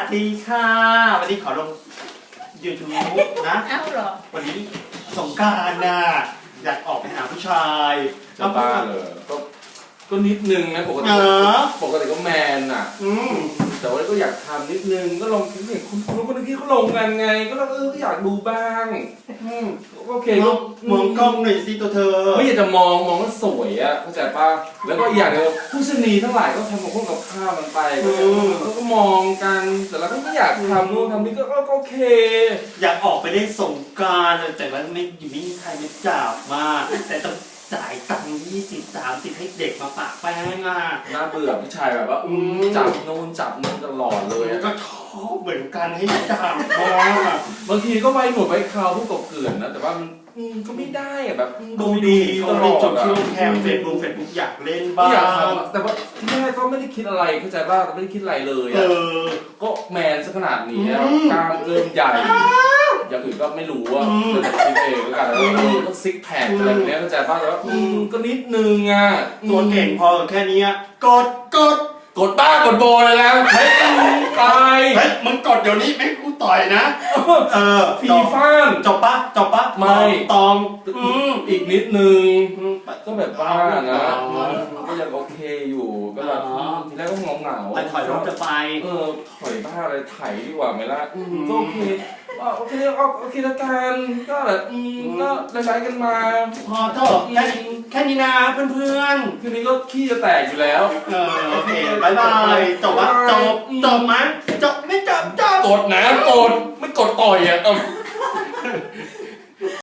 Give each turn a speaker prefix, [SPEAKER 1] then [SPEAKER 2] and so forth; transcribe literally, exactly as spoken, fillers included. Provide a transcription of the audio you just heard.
[SPEAKER 1] ดีค่ะวันนี้ขอลงยูทูบนะ
[SPEAKER 2] เอ้าเหรอ
[SPEAKER 1] วันนี้สงกรานต์น่ะอยากออกไปหาผู้ชาย
[SPEAKER 3] จะบ้าเหรอก็ก็นิดนึงนะปกติ
[SPEAKER 1] เออ
[SPEAKER 3] ปกติก็แมนอ่ะ
[SPEAKER 1] อืม
[SPEAKER 3] แต่ว่าก็อยากทำนิดนึงก็ลองคิดเห็นคุณคุณคนที่เขาลงกันไง ก็เราเออก็อยากดูบ้าง
[SPEAKER 1] อืม
[SPEAKER 3] โอเค
[SPEAKER 1] ม
[SPEAKER 3] ก็
[SPEAKER 1] องมองกล้องหน่อยสิตัวเธอ
[SPEAKER 3] ไม่อยากจะมองมองว่าสวยอ่ะเข้าใจป่ะแล้วก็อีกอย่างเดียวผู้ชนีทั้งหลายก็ทำกับพวกกับข้าวมันไปก็ก็ก็มองกันแต่เราก็ไม่อยากทำนู่นทำนี่ก็ก็โอเค
[SPEAKER 1] อยากออกไปเล่นสงกรานต์แต่ว่าไม่อยู่ไม่มีใครมาจับมาแต่ต้องจ่ายตังค์ยี่สิบสามสิบให้เด็กมาปะแป้งอ่ะ
[SPEAKER 3] น่าเบื่อผู้ชายแบบว่าอืมจับนู่นจับนู่นตลอดเลยอะ
[SPEAKER 1] ก็ชอบเหมือนกันให้จับมา
[SPEAKER 3] บางทีก็ไว้หนวดไว้คราวพวกกบเกลื่อนนะแต่ว่ามันอืมก็ไม่ได้อะแบบอืม
[SPEAKER 1] ดูดี
[SPEAKER 3] ต
[SPEAKER 1] เขา
[SPEAKER 3] ล
[SPEAKER 1] เล่
[SPEAKER 3] อน ด
[SPEAKER 1] จบ
[SPEAKER 3] อะ
[SPEAKER 1] ที่โรงแรมเฟซบุ๊กเฟซบุ๊กอยากเล่น
[SPEAKER 3] ไม่
[SPEAKER 1] บ้า
[SPEAKER 3] อยาก
[SPEAKER 1] ง
[SPEAKER 3] ทำอะแต่ว่าที่แรกก็ไม่ได้คิดอะไรเข้าใจป่ะไม่ได้คิดอะไรเลย
[SPEAKER 1] เอ
[SPEAKER 3] อะ
[SPEAKER 1] อ
[SPEAKER 3] ก็แมนซะขนาดนี้แล้ว
[SPEAKER 1] อืม
[SPEAKER 3] กล้ามเริ่มใหญ่อย่างอื่นก็ไม่รู้ว่า
[SPEAKER 1] อืม
[SPEAKER 3] เดี๋ยวคิดเองแล้วกันแล้วเออก็ซิกแพคอะไรแบบเนี้ยเข้าใจป่ะแต่ว่าอืมก็นิดนึงอ่ะ
[SPEAKER 1] ตัวเก่งพอแค่นี้กดกด
[SPEAKER 3] กดบ้ากดโบเลยแล้วเฮ้ยตาย
[SPEAKER 1] เฮ้ยมึงกดเดี๋ยวนี้ไม่กูต่อยนะ เออ
[SPEAKER 3] ฟีฟ่าน
[SPEAKER 1] จบปะจบปะ
[SPEAKER 3] ไม่
[SPEAKER 1] ตองอืม
[SPEAKER 3] อีกนิดนึง
[SPEAKER 1] อืม
[SPEAKER 3] ก็แบบบ้านะ
[SPEAKER 1] อ๋อ
[SPEAKER 3] ก็ยังโอเคอยู่ก็แบบ
[SPEAKER 1] อ๋อ
[SPEAKER 3] ทีแรกก็เหงาเหงาๆ
[SPEAKER 1] ไปถอยรถจะไป
[SPEAKER 3] เออถอยบ้าอะไรไถดีกว่าไหมล่ะ
[SPEAKER 1] อืม
[SPEAKER 3] ก็โอเคอ่ะโอเคเอาโอเคละกันก็แบบอืมก็ใช้กันมา
[SPEAKER 1] พอเถอะแค่นี้แค่นี้นะเพื่อน
[SPEAKER 3] คืนนี้ก็ขี้จะแตกอยู่แล้ว
[SPEAKER 1] ๆ เออโอเคบายบายจบปะจบจบมั้ยจบไม่จบจบ
[SPEAKER 3] กดนะกดไม่กดต่อยอ่ะเอา